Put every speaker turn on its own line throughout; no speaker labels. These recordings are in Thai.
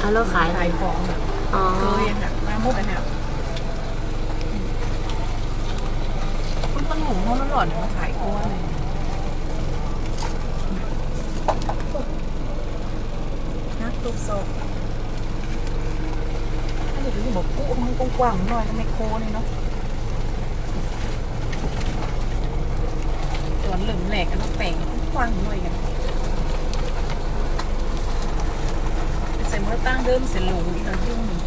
แล้วขาย
ของแบบเคยอะค่ะมาหมดอะเนี่ยคุณต้นหมูเขาหล่อนมาขายกล้วยนักตุกโซถ้าเดี๋ยวจะบอกกู้มันกว้างๆหน่อยทำไมโค้นี่เนาะส่วนเหลืองแหลกกันต้องแป่งกว้างหน่อยกันใส่เมื่อตั้งเดิมเสร็จหลงอีกแล้วยุ่งหนึ่ง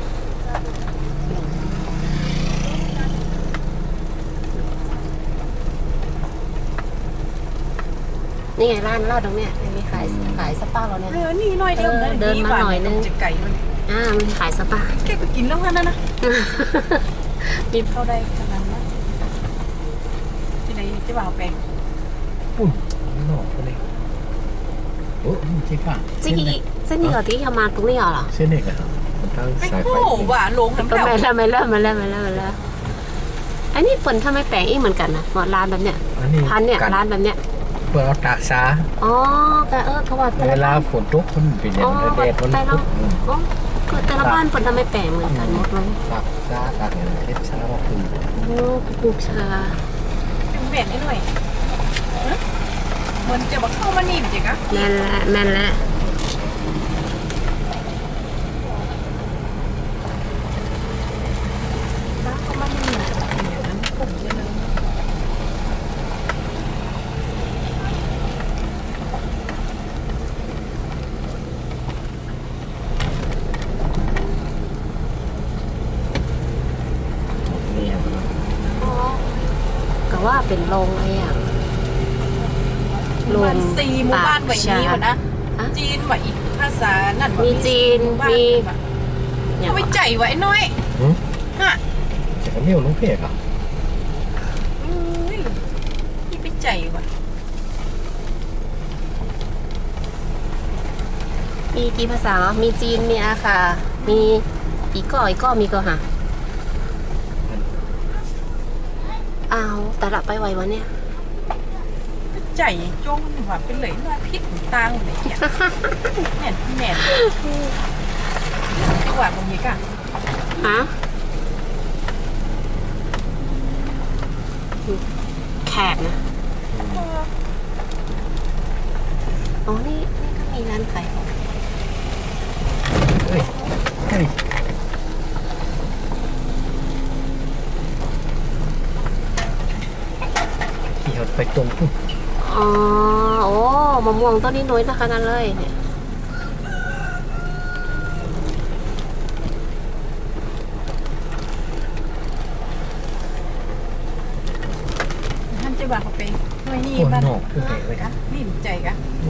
นี่ไงร้านเราตรงเนี้ยมีขายสปาเราเนี่ย
นี่หน่อยเดียว
เดินมาหน่อยนึง
จะไก่ด้วย
มันขายสปา
แกไปกินแล้วนะมีเข้าได้ขนาดนั้นที่ไหนจะบ่าวแปลง
ปุ่นหนอกเลยโอ้เจ๊ก่ะ
เส้นนี้เหรอที่เขามาตรงนี้เหรอ
เส้นเอกอะมันทางสายไฟ
ว่าลงน้ำแถว
ไม่เริ่มอันนี้เปิดถ้าไม่แปลงอีกเหมือนกันนะร้านแบบเนี้ยพันเนี่ยร้านแบบเนี้ย
เปิดเอาตากซา
แต่เขาว่า
เวลาฝนตกมันเป็นอย่างแดดมันตก
คือแต่ละบ้านเปิดทำไม่แปลงเหมือนกันหมดเลย
ตากซาตากอย่างเทปซาก็คือ
ปลูกชา
เป็นเบ็ดได้หน่อยมันจะบอกเข้ามานิ่มจริงอะ
แม่นละ
เข้ามานิ่มอย่างนั้นผมจะเลย
ก็ว่าเป็นโรงอะไรอย่าง
โรงซีหมู่บ้านแบบนี้วะนะจีนว่าอีกภาษานั่น
มีจีนมี
เขาไปใจไว้น้อยฮะ
จะเลี้ยวลงเพกอ่ะ
นี่ไปใจวะ
มีกี่ภาษามีจีนมีอาคามีอีกก็มีก็หะแต่ละไปไววะเนี่ย
ใจจงว่าเป็นเลยว่าพิษตางเลยแม่ที่หวานตรงนี้กัน
แขกนะนี่ก็มีร้านขายของ
เฮ้ยขี่รถไปตรงปุ๊บ
มะม่วงต้นนี้น้อยนะคะนั่นเลยเนี่ย
ท่านจะบอกเขาไปหน่วยนี่บ้านนี่ใจกะ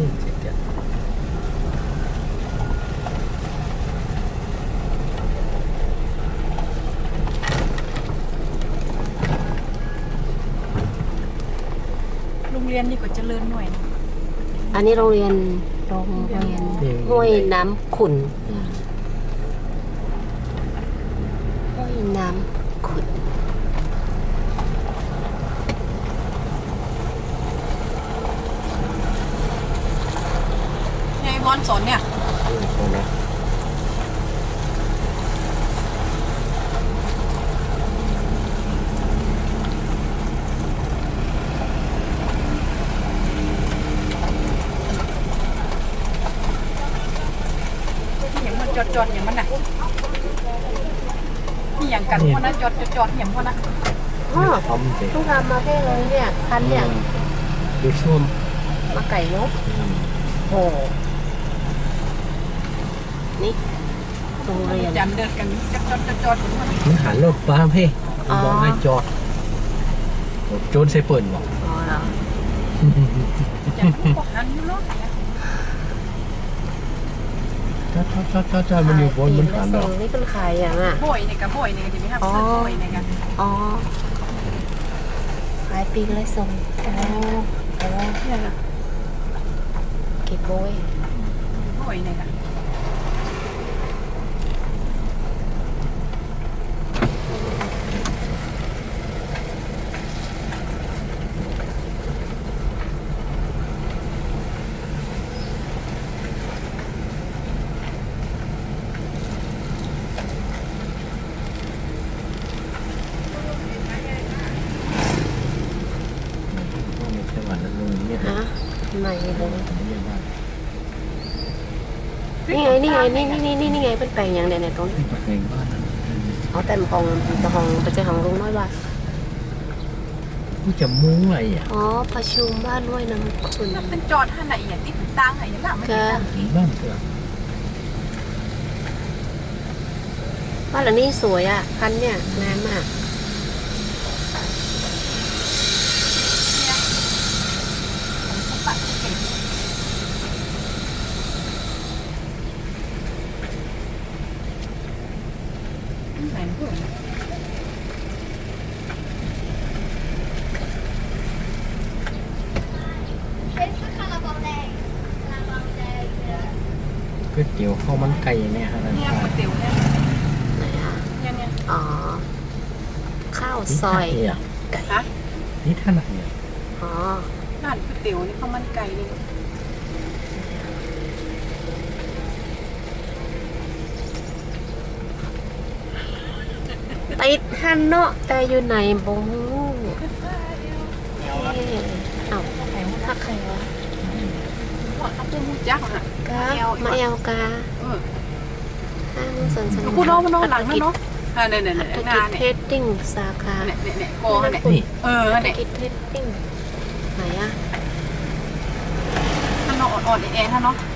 โรงเรียนนี่ก็เจริญหน่วย
อันนี้โรงเรียนห้วยน้ำขุ่นห้วยน้ำขุ่น
ไงบอลสนเนี่ยจอดอย่างมันน่ะนี่อย่างกันพวกนั้นจอดอย่างพวกนั้น
ต้องทำมาแค่เลยเนี่ยคันเนี่ย
ดูส้ม
มาไก่นกนี่โรงเรียน
จันเดินกันจอด
มันหันรถบ้างพี่บอกให้จอดโจนใส่เปิ่นบอก
เหรอจันก็หันอยู่รถ
ถ้ามันอยู่บนมันหันหรอ
นี่เป็นใครอย่าง
บ่อยเนี่ยกับบ่อยเนี่ยจะมีห้ามซื้อบ่อยเนี่ยกัน
ขายปีเลยส่ง
เนี่ยนะ
เก็บบ่
อยเนี่ยกัน
นี่ไงนี่ไงเป็นแปลงอย่างเด่นในตรงนี้
นี่ปากแดงบ้านนั้น
เอาแต่ของประเจ้าของลุงน้อยว่า
กูจะมุ้งอะไรอ่ะ
อ๋อประชุมบ้านด้วยน้ำคุณ
มันเป็นจอดท่านไหนอย่างที่ตั้งไหนอย่างนั้นไม่ได้ตั้งกี่
บ้านเถื่อน
บ้านหลังนี้สวยอ่ะพันเนี่ยงามมาก
ปัดเก่งไหนพูด
ก๋วยเตี๋ยวข้าวมันไก่เนี่ยฮะนั่น
เนี่ย
ค่ะ
ก๋วยเตี๋ยวเนี่ย
ไหนอ่ะ
เนี่ย
อ๋อข้าว
นี่
ซอย
ท่าเนี่ย
ไก่
ฮะ
นี่ท่าไหนเนี่ย
อ๋อ
ร้านก๋วยเตี๋ยวนี่ข้าวมันไก่นี่
ติดฮันเนาะแต่อยู่ไหนบงเอาถ้าใครวะ
ว่าเขาพูดยักษ์อ่ะ
กามาเอลกา
เออ
ห้างสวนสนุก
กูน้องมันน้องหลังนั่นเนาะเนี่ยเนี่ย
ธุ
เนี่ย
ร
งา
กิจ
น
เท
เนี่ย
รดดิ้งสาขา
เนี่ยโกเนี่ย
นี่
เออ
ธุร
เนี่ย
กิจเทรดดิ้งไหนอ่ะ
ท่านน้องอ่อนๆแอๆท่านเนาะ
อ